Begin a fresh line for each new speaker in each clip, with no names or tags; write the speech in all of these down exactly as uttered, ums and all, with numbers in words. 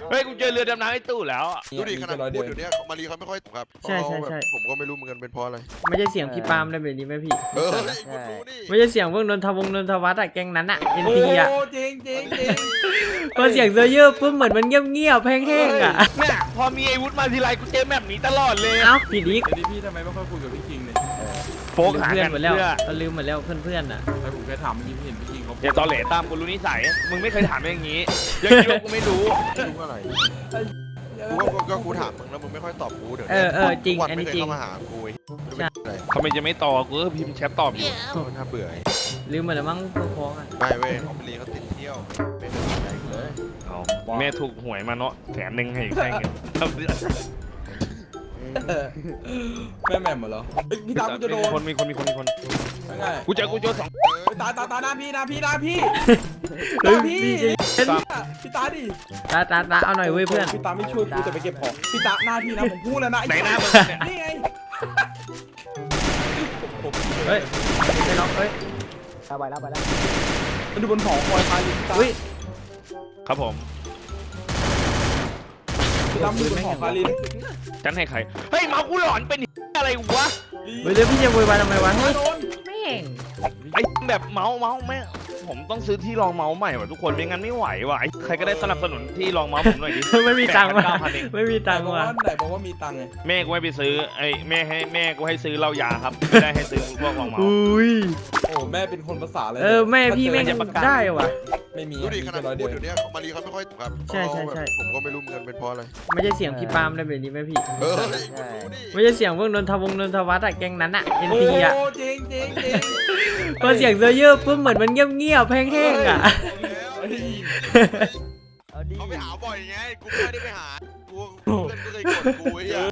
เฮ้ยกูเจอเรือดำน้ำไอ้ตู้แล้ว
ดูดิขนาดพูดอยู่เนี้ยมารีเขาไม่ค่อยตกครับใช่ใช่ใช่ผมก็ไม่รู้เหมือนกันเป็นเพราะอะไร
ไม่ใช่เสียงพี่ปาล์มได้แบบนี้ไหมพี่
เออคุณรู้นี่
ไม่ใช่เสียงพวกนนทวงศ์นนทวัฒน์อะแก๊งนั้นอะเอ็นทีอะ
จริงจริงจริง
พอเสียงเซอร์เยอร์ปุ๊บเหมือนมันเงียบๆแห้งๆอะ
เนี่ยพอมีไอ้วุฒิมาทีไรกูเจอแบบนี้ตลอดเลย
เอ้าผิดอีก
เดี๋ยวพี่ทำไมไม่ค่อยคุยกับพี่คิงเนี่ย
โฟกหา
เพื่อน
กัน
หมด
เพื่
แล้ว
อ
เราลืมหมดแล้วเพื่อนๆอะ
ไอ้ผมแค่ถามเมื่อกี้พี่เห็นพี่คิงเขา
อย่าตอเหล่ตามกูรู้นิสัยมึงไม่เคยถามอย่างนี้ยังคิดว่ากูไม่รู้
รู้อะไรกูก็ก็กูถามมึงแล้วมึงไม่ค่อยตอบกูเดี๋ยว
เออเออจริงอันนี้จริง
เข้ามาหากู
ทำไมจะไม่ตอบกูก็พิมพ์แชทตอบอยู่
น่าเบื่อ
ลืมหมดแล้วมั้งพวกพ้องอะ
ไม่เว้ยเขาไปรีเขาติดเที่ยวไม่ได้ใจเลย
แม่ถูกหวยมาเนาะแสนหนึ่งให้ใช่เงิน
แม่แม่หมดเหรอพี่ตากูจะโดน
คนมีคนมีคนมีคนกูเจอกูเจอสอง
ตาตาตาหน้าพี่หน้าพี่หน้าพี่หน้าพี่พี่ตาดิ
ตาตาตาเอาหน่อยเว้ยเพื่อน
พี่ตาไม่ช่วยกูจะไปเก็บของพี่ตาหน้าพี่นะผมพูดแล้วนะ
ไหนหน้ามึง
นี่ไง
เฮ้ยไม่น็อกเฮ้ย
ไปแล้วไปแล้วมันดูบนหอคอยพาอยู่พี่ตา
ครับผม
พี่ตาดูบนหอคาริน
ฉันให้ใครเฮ้ยเมากูหลอนเป็นอะไรวะ
เฮ้ยพี่จะโวยวายทำไมวะเฮ้ยแม่ง
ไอ้แบบเมาเมาแม่ผมต้องซื้อที่รองเมาส์ใหม่ว่ะทุกคนไม่งั้นไม่ไหวว่ะใครก็ได้สนับสนุนที่รองเมาส์ผมหน่อยดิ
ไม่มีตังค์ว่ะไม่มีตังค์ว่ะ
ไหนบอกว่ามีตังค์ไง
แม่กูให้ไปซื้อไอ้แม่ให้แม่กูให้ซื้อเหล้ายาครับไม่ได้ให้ซื้อพวกรองเมาส์
อุ้ย
โอ้แม่เป็นคนภาษาเลย
เออแม่พี่แม่จะได้ว่ะ
ไม่มี
ดูดิขนาดพูดอยู่เนี้ยมารีเขาไม่ค่อยตกครับ
ใช่ใช่ใช่
ผมก็ไม่รู้เหมือนกันเป็นเพราะอะไร
ไม่ใช่เสียงพี่ปาล์มได้แบบนี้ไหมพี่
เออ
ไม่ใช่เสียงพวกนนทวงศ์นนทวัฒน์อะแก๊งนั้นอะเอ็นทีอะ
จริงจริงจริง
พอเสียงเซอร์เยอร์ปุ๊บเหมือนมันเงียบๆแห้งๆอะ
เขาไปหาบ่อยไงกูไม่ได้ไปหากูเพื่อนก็เลยกดกูไอ้เหี้ย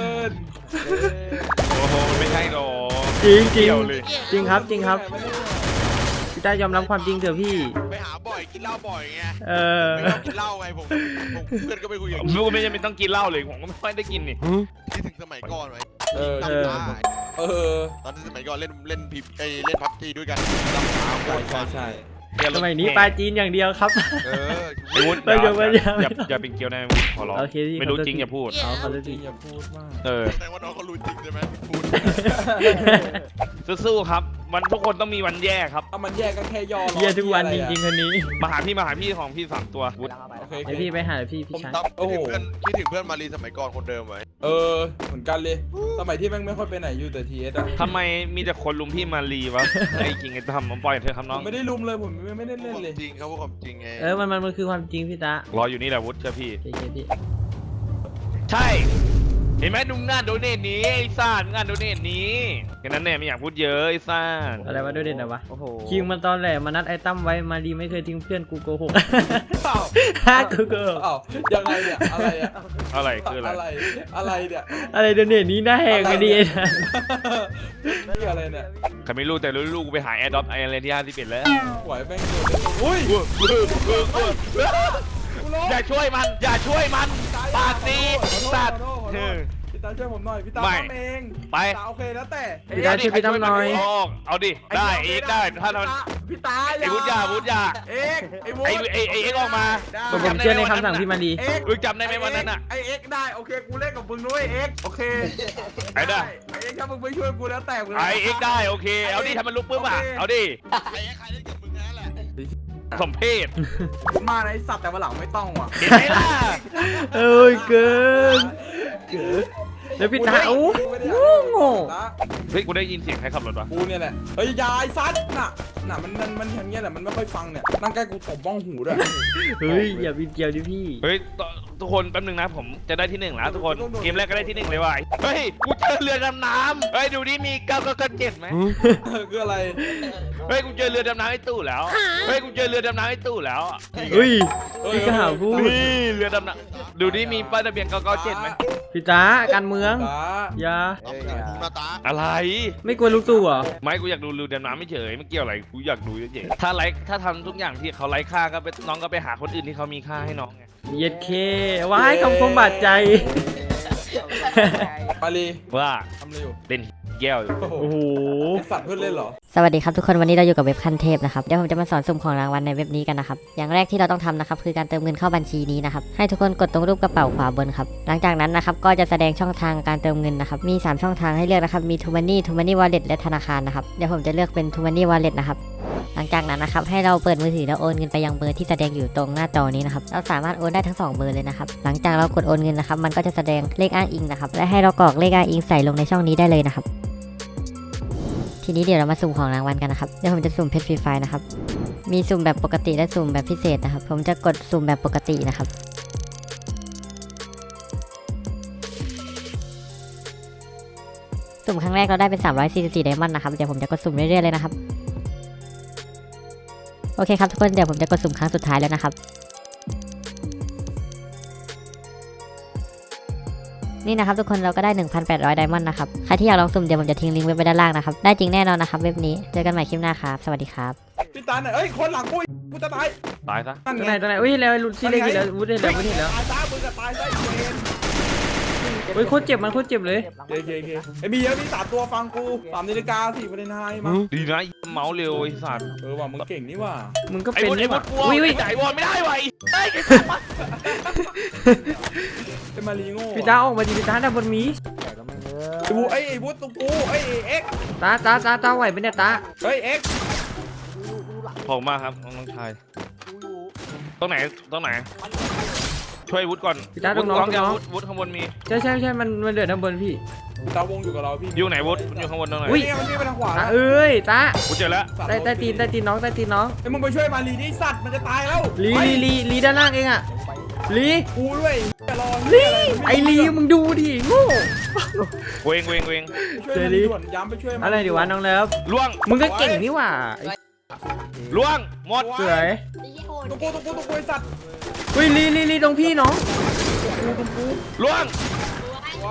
โอ้โหไม่ใช่หรอ
จริงจริงจริงครับจริงครับพี่ตายอมรับความจริงเถอะพี่
ไปหาบ่อยกินเหล้าบ่อยไง
เออ
ไม่ต้องกินเหล้าไงผมผมเพื่อนก็ไปคุยกับ
ผมไม่ยังไม่ต้องกินเหล้าเลยผมก็ไม่ค่อยได้กินนี่
คิดถึงสมัยก่อนไว้
เออเออ
ตอนที่สมัยก่อนเล่นเล่นพิบไอเล่นพับจีด้วยกันรับสาว
ใช่ใช่
สมัยนี้ปลาจีนอย่างเดียวครับ
เออ
ไอ้วุฒิอย่าอย่าอย่าเป็นเกี๊ยวนะวุฒิขอร้องไม่รู้จริงอย่าพูด
เอาเขา
จริงอย่าพูดมาก
เออ
แสดงว่าน้องเขารู้จริงใช่ไหมพูด
สู้ๆครับวันทุกคนต้องมีวันแย่ครับ
ถ้ามันแย่ก็แค่ย่อ
แย่ทุกวันจริงๆคนนี้
มาหาพี่มาหาพี่ของพี่สามตัววุฒิ
ไอพี่ไปหาพี่พี่ชาย
โอ้โหเพื่อนคิดถึงเพื่อนมารีสมัยก่อนคนเดิมไว้
เออเหมือนกันเลยสมัยที่แม่งไม่ค่อยไปไหนอยู่แต่ทีเอสอะ
ทำไมมีแต่คนลุมพี่มารีวะไอ้จริงไอ้ทำมันปล่อยเธอคำน้อง
ไม่ได้ลุมเลยผมไม่ได้เล่นเลย
จริงเขาพูดความจริงไง
เออมันมันมันคือความจริงพี่ตาร
ออยู่นี่แหละวุฒิเชื่อพี่
พี่
ใช่เห็นไหมดูงานโดเนทนี้ไอ้ซ่างานโดเนทนี้แค่นั้นแน่ไม่อยากพูดเยอะไอ้ซ่า
อะไรวะโดเนทนะวะคิงมันตอนแหลมานัดไอ้ตั้มไว้มาดีไม่เคยทิ้งเพื่อนกูโกหกฮ่ากูโกหก
ยังไงเนี่ยอะไรอะ
อะไรคืออะไร
อะไรเนี่ย
อะไรโดเนทนี้น่าแหกไปดีนะ
นี่อะไรเนี่ย
ใครไม่รู้แต่รู้ลูกกูไปหาแอร์ดรอปไออะไรที่ห้าสิบเอ็ดแล้ว
ไหวแม่งอุ้ย
อย่าช่วยมันอย่าช่วยมันปาตีสัตว์
พี่ตาช่วยผมหน่อยพี่ตาทำเอง
ไป
โอเคแล้วแต่
พี่ตาช่วยพี่ตั้มหน่อย
เอาดิได้เอ็กได้ถ้าท
ำพี่ตา
ไอ้วุฒิยาวุฒิยา
เอ็กไอ้วุฒิ
ไอ้ไอ้เอ็กออกมา
ผมเชื่อในคำสั่งพี่มาดี
มึงจำได้ไหมวันนั้นอ่ะ
ไอ้เอ็กได้โอเคกูเล่นกับมึงด้วยเอ็กโอเค
ไอ้ได้
ไอ้เอ็กถ้ามึงไปช่วยกูแล้วแต่
ไอ้เอ็กได้โอเคเอาดิทำมันลุกปุ๊บอ่ะเอาดิ
ไอ้เอ็กใครเล่นกับมึงนั่นแหละ
สมเพศ
มาในสัตว์แต่วันหลังไม่ต้องว่ะ
เห็นไหมล่ะ
เอ้ยเกินเกินแล้วพี่ตาโอ้โง่
เฮ้ยกูได้ยินเสียงใครขับรถวะ
กูเนี่ยแหละเฮ้ยยายซัดน่ะน่ะมันมันมันอย่างเงี้ยแหละมันไม่ค่อยฟังเนี่ยนั่งใกล้กูตบบ้องหูด้วย
เฮ้ยอย่าบินเกียวดิพี่
เฮ้ยทุกคนแป๊บนึงนะผมจะได้ที่หนึ่งแล้วทุกคนเกมแรกก็ได้ที่หนึ่งเลยว่ะเฮ้ยกูเจอเรือดำน้ำเฮ้ยดูดิมีเก้าเก้าเก้าเจ็ดไหม
คืออะไร
เฮ้ยกูเจอเรือดำน้ำไอ้ตู้แล้วเฮ้ยกูเจอเรือดำน้ำไอ้ตู้แล้ว
เฮ้ยพี่ก็หาพูด
นี่เรือดำน้ำดูดิมีป้ายทะเบียนเก้าเก้าเจ็ดไหม
พี่ตาการเมืองอย่า
อะไร
ไม่กลัวลูกตู่เหรอ
ไม่กูอยากดูเรือดำน้ำไม่เฉยไม่เกี่ยวอะไรกูอยากดูเฉยถ้าไลค์ถ้าทำทุกอย่างที่เขาไลค์ค่าก็ไปน้องก็ไปหาคนอื่นที่เขามีค่าให้น้องไง
เย็ดเคว้ายคำคมบาดใจ
มาลี
ว่า
ทำอะไรอยู่
เล่นแก้วอยู่
โอ้โห
โอ้โห
ไอ้สัตว์เพื่อนเล่นเหรอ
สวัสดีครับทุกคนวันนี้เราอยู่กับเว็บขั้นเทพนะครับเดี๋ยวผมจะมาสอนสุ่มของรางวัลในเว็บนี้กันนะครับอย่างแรกที่เราต้องทำนะครับคือการเติมเงินเข้าบัญชีนี้นะครับให้ทุกคนกดตรงรูปกระเป๋าขวาบนครับหลังจากนั้นนะครับก็จะแสดงช่องทางการเติมเงินนะครับมีสามช่องทางให้เลือกนะครับมี True Money True Money Wallet และธนาคารนะครับเดี๋ยวผมจะเลือกเป็น True Money Wallet นะครับหลังจากนั้นนะครับให้เราเปิดมือถือแล้วโอนเงินไปยังเบอร์ที่แสดงอยู่ตรงหน้าจอนี้นะครับเราสามารถโอนได้ทั้งสองเบอร์เลยนะครับหลังจากเรากดโอนเงินนะครับมันก็จะแสดงเลขอ้างอิงนะครับและให้เรากรอกเลขอ้างอิงใส่ลงในช่องนี้ได้เลยนะครับทีนี้เดี๋ยวเรามาสุ่มของรางวัลกันนะครับเดี๋ยวผมจะสุ่มเพชรฟรีไฟล์นะครับมีสุ่มแบบปกติและสุ่มแบบพิเศษนะครับผมจะกดสุ่มแบบปกตินะครับสุ่มครั้งแรกเราได้เป็นสามร้อยสี่สิบสี่ไดมอนด์นะครับเดี๋ยวผมจะกดสุ่มเรื่อยๆเลยนะครับโอเคครับทุกคนเดี๋ยวผมจะกดสุ่มครั้งสุดท้ายแล้วนะครับนี่นะครับทุกคนเราก็ได้ หนึ่งพันแปดร้อย ไดมอนด์นะครับใครที่อยากลองสุ่มเดี๋ยวผมจะทิ้งลิงก์ไว้ไว้ด้านล่างนะครับได้จริงแน่นอนนะครับเว็บนี้เจอกันใหม่คลิปหน้าครับสวัสดีครับ
พี่ตาเนี่ยเอ้ยคนหลังกูกูจะตาย
ตายซะ
นั่น
ตรง
ไง
ไหนตรงไหนอุ้ยแล้วลุซี่เล็กอีกแล้ววุ้นเห็นแล้ววุ้นเห็นแล้ว
ตายซะมึงจะตายซะอีเวน
เฮ้ยโคตรเจ็บมันโคตรเจ็บเลย
เคเคเคไอ้มีเยอะมีสามตัวฟังกูสามนาฬิกาสี่ประเด็นไฮมั้ง
ดีนะเมาส์เร็วไอ้สัตว์
เออว่ะมึงเก่งนี่ว่ะ
มึงก็
ไอ้
เป็น
บดไอ้
นี่ห
บ
ว่า
ดกลัว
อุ้ยอุ้ย
จ่ายบอลไม่ได้ว่ะไอ้เฮ้ย
ไอ้มารีโง่
พี่ตาออกมาดิพี่ตาด้านบนมี
ไอ้บูไอ้ไอ้บูตรงกูไอ้เอ็ก
ตาตาตาตาไหวไหมเนี่ยตา
เฮ้ยเอ็ก
ขอบคุณมากครับน้องชายตรงไหนตรงไหนช่วยวุฒิก่อน
พี่ตาต
วุ
รง
ฒิ
น้อง
ร้อง
ตรง
ยัง
น้อง
วุฒิวุฒิข้างบนมี
ใช่ใช่ใช่มันมันเดือดด้านบนพี่
ตาวงอยู่กับเราพี่
อยู่ไหนวุฒิอยู่ข้างบนตรงไหน
อุ้ย
เนี่ยมันนี่ไปทางขวา
ตา
แล้ว
เอ้ยตา
กูเจอแล้ว
ใต้ใต้ตีนใต้ตีนน้องใต้ตีนน้อง
ไอ้มึงไปช่วยมารีดิสัตว์มันจะตายแล้ว
ลีลีลีลีด้านล่างเองอะลี
กูด้วยจะรอ
ลีไอลีมึงดูดิโง่
เวงเวงเวง
ช่วยมันด่วนย้ำไปช่วยมัน
อะไรดีวะน้องเลิฟ
ล่วง
มึงก็เก่งนี่หว่าไอ้
ล่วงหมด
สวย
ตรงกูตรงกูตรงกูไอ้สัตว์
อุ้ยลีลีลีตรงพี่น้อง
กูตรงกู
ล่วง
ไว้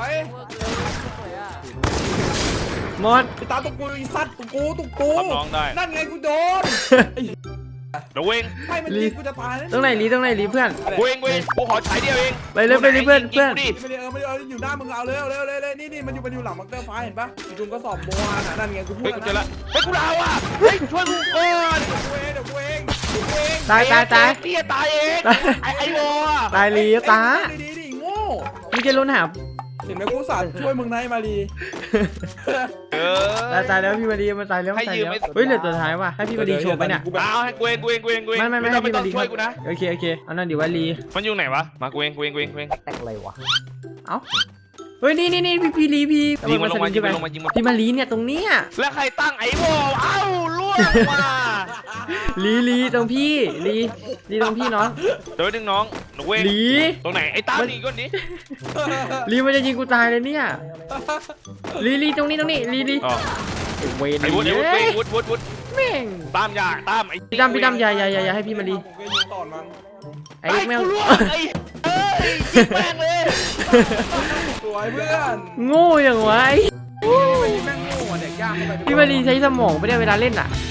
หมด
ไอ้ตาตรงกูไอ้สัตว์ตรงกูตรงกู
รับน้องได้
นั่นไงกูโดน
เดี๋ยวเวง
ไม่มันยิงกูจะตายแล้ว
ตรงไหนลีตรงไหนลีเพื่อน
เวงเวงกูขอฉายเดียวเอง
ไปเลยไปเลยเพื่อนเพื่อน
ดิ
ไม่ได้เออไม่ได้เอออยู่หน้ามึงเอาเร็วเร็วเร็วเร็วนี่นี่มันอยู่มันอยู่หลังมังเตอร์ฟ้าเห็นปะอยู่ตรงกระสอบโบราณอ่ะนั่นไงกูพูด
เฮ้ยกูเจอ
แล้
แล้ว วเฮ้ยกูดาวอ่ะเฮ้ยช่วยกูก่อน
กูเองเดี๋ยวกูเองเดี๋ยวกูเอง
ตายตายตาย
พี่ตายเองไอ้ไอ้โบอ่ะ
ตายลีตา
ดีดีดีโง่
มึงจะลุ้นหา
เห็นไหมกูสาดช่วยมึงนะไอ้มารี
เอ
ตาย
อ
ตายแล้วพี่มาดีมันตายแล้ว
ให้
ตาย
ยืม
แล้ว
ไม่
เฮ้ยเหลือตัวท้ายว่ะให้พี่มาดีโชว์ไปเนี่ย
เอาให้กูเองกูเองกูเองกูเอง
ไม่ไม่ไม่
ต้อง
ให้
ไม่
พี่
ต้อ
มาง ดี
ช่วยกูนะ
โอเคโอเคเอานั่นดีว่าลี
มันอยู่ไหนวะมากูเองกูเองกูเองกูเอง
เอ้าเฮ้ยนี่นี่นี่พี่พี่ลีพี่
ยิงมันลงมา
ส
ยิ
ลิ
ง
ง
มันลงมายิงมัน
พี่มาลีเนี่ยตรงเนี้ย
แล้วใครตั้งไอ้โบเอ้าล่วงมา
ลีลีตรงพี่ลีลีตรงพี่น้อง
เดี๋ยวนึงน้องหนูเวง
ลี
ตรงไหนไอ้ตั้มนี่ก่อนดิ
ลีมันจะยิงกูตายเลยเนี่ยลีลีตรงนี้ตรงนี้ลีลี
อ๋อ
เวน
ไอ้วุฒิไอ้วุฒิ
เอ้ย
วุฒิวุฒิวุฒิ
แม่ง
ตามยาตามไอ้
พี่ดำพี่ดำอย่าอย่าอย่าอย่าให้พี่มาลี
ผมก็ยิงต่อมัน
ไอ้
ไอ้
แม
แม
ว
วล่วงไอ้เอ้ยยิงแม่งเลย
สวยเพื่อน
โง่อย่างวะไอ้
ไม่ยิงแม่งโง่อะเด็กยากเข้าไป
พี่มาลีใช้สมองไม่ได้เวลาเล่นอ่ะ
เ